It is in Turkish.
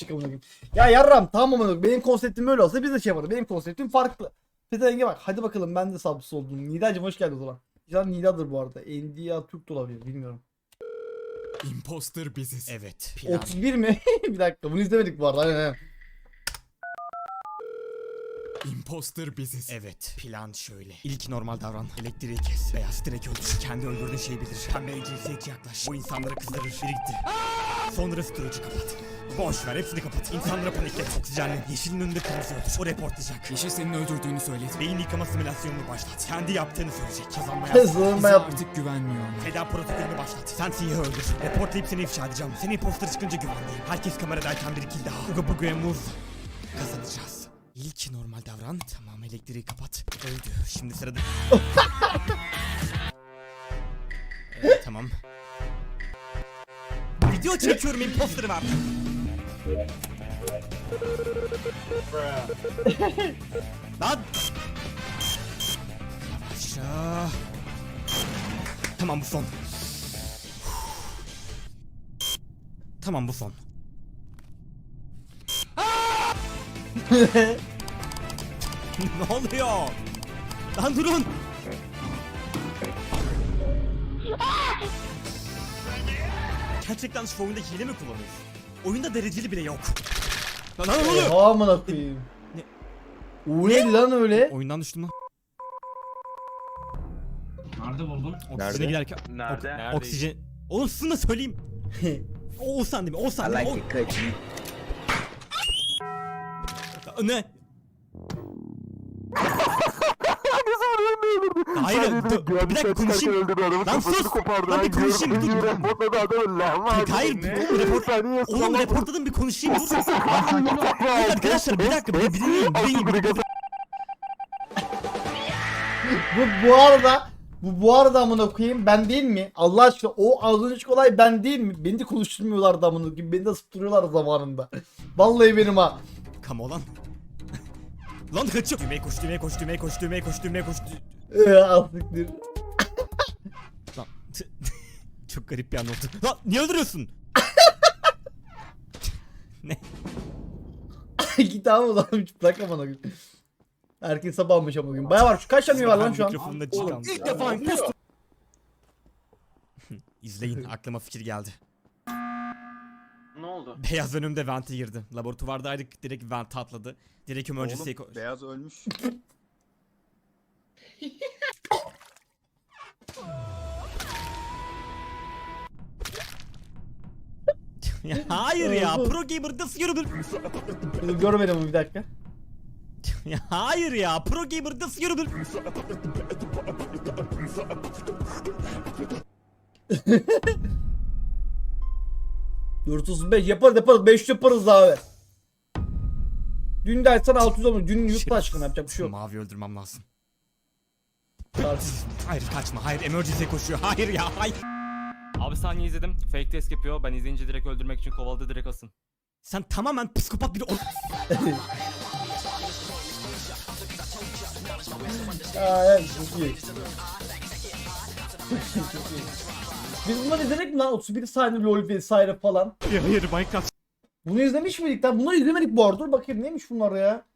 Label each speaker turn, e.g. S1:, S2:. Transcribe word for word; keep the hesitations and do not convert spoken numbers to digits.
S1: çık amına koyayım. Ya yarram tamam amına koyayım. Benim konseptim öyle olsa biz de şey yaparız. Benim konseptim farklı. Petenge bak. Hadi bakalım ben de sabısı oldum. Nidacığım hoş geldin o zaman. Güzel Nida'dır bu arada. Endia Türk de olabilir bilmiyorum.
S2: Imposter biziz. Evet. Plan.
S1: otuz bir mi? Bir dakika bunu izlemedik bu arada. Aynen, aynen.
S2: Imposter biziz. Evet. Plan şöyle. İlk normal davran. Elektriği kes. Beyaz direkt öldür. Kendi öldürdüğün şeyi bilir. Pembeye cinsiyetçi yaklaş. Bu insanları kızdırır. Biri gitti. Sonra storage'ı kapat. Boş ver hepsini kapat. İnsanlara paniklet. Oksijenle. Yeşilin önünde kırmızı öldür. O reportlayacak. Yeşil senin öldürdüğünü söyledi. Beyin yıkama simülasyonunu başlat. Kendi yaptığını söyleyecek. Kazanmaya
S1: Kızım
S2: Bize
S1: yap.
S2: artık güvenmiyor. Feda protokolünü başlat. Sen siyahı öldür. Reportlayıp seni ifşa edeceğim. Seni imposter çıkınca güvenliyim. Herkes kameradayken bir kill daha. Uga buga move. Kazanacağız. İlk normal davran. Tamam elektriği kapat. Öldü. Şimdi sırada... Evet, tamam. Video çekiyorum imposter'ı var. Lan! Yavaşça. Tamam bu son. Tamam bu son. Ne oluyor? Lan durun. Gerçekten şu oyunda hile mi kullanıyorsun? Oyunda dereceli bile yok. Lan lan ne oluyor?
S1: Oha amına koyayım.
S2: Ne?
S1: O neydi lan öyle?
S2: Oyundan düştüm lan.
S3: Nerede buldun?
S2: Oksijene giderken...
S4: Nerede?
S2: Ok- oksijen... Oğlum sizin de söyleyeyim. Oğuzhan değil mi? Oğuzhan
S4: I
S2: değil mi?
S4: like it cookie.
S2: O... Ne? Hayır, dur, bir dakika konuşayım. Lan sus! Lan bir konuşayım, dur. Hayır, oğlum report... Oğlum reportladım bir konuşayım, dur. Hayır arkadaşlar, bir dakika, bir bir dinleyin, bir dinleyin, bir dinleyin.
S1: Bu bu arada bu bu arada amına koyayım ben değil mi? Allah aşkına o az önceki olay ben değil mi? Beni de konuşturmuyorlardı amına koyayım. Beni de ısıtırıyorlar zamanında. Vallahi benim ha.
S2: Come on. Lan kaçıyor. Düğmeye koş, düğmeye koş, düğmeye koş, düğmeye koş, düğmeye koş.
S1: Eee azlıktır.
S2: Lan çok garip bir an oldu. Lan niye öldürüyorsun? Ne?
S1: Git abi o zaman hiç bırak amına koyayım. Herkes sabah almış amına koyayım. Baya var şu kaç tane var lan şu an?
S2: Mikrofonda çıkan. İlk defa imposter. İzleyin aklıma fikir geldi.
S4: Ne oldu?
S2: Beyaz önümde vente girdi. Laboratuvardaydık direkt vente atladı. Direkt emergency'ye koş.
S5: Beyaz ölmüş.
S2: Ya hayır ya pro gamer nasıl yürüdün?
S1: Dur, görmedim bunu bir dakika.
S2: Ya hayır ya pro gamer nasıl yürüdün?
S1: dört otuz beş yaparız yaparız beş yaparız abi. Dün dersen altı yüz olmuş. Dün yurt aşkına yapacak bir şey yok.
S2: Mavi öldürmem lazım.
S1: Tartışsız.
S2: Hayır kaçma hayır emergency'ye koşuyor hayır ya hayır.
S6: Abi saniye izledim. Fake test yapıyor. Ben izleyince direkt öldürmek için kovaladı, direkt asın.
S2: Sen tamamen psikopat bir o...
S1: Aa evet çok iyi. Çok iyi. Biz bunları izledik mi lan? otuz bir saniye LoL vesaire falan.
S2: Hayır Minecraft.
S1: Bunu izlemiş miydik lan? Bunları izlemedik bu arada. Dur bakayım neymiş bunlar ya?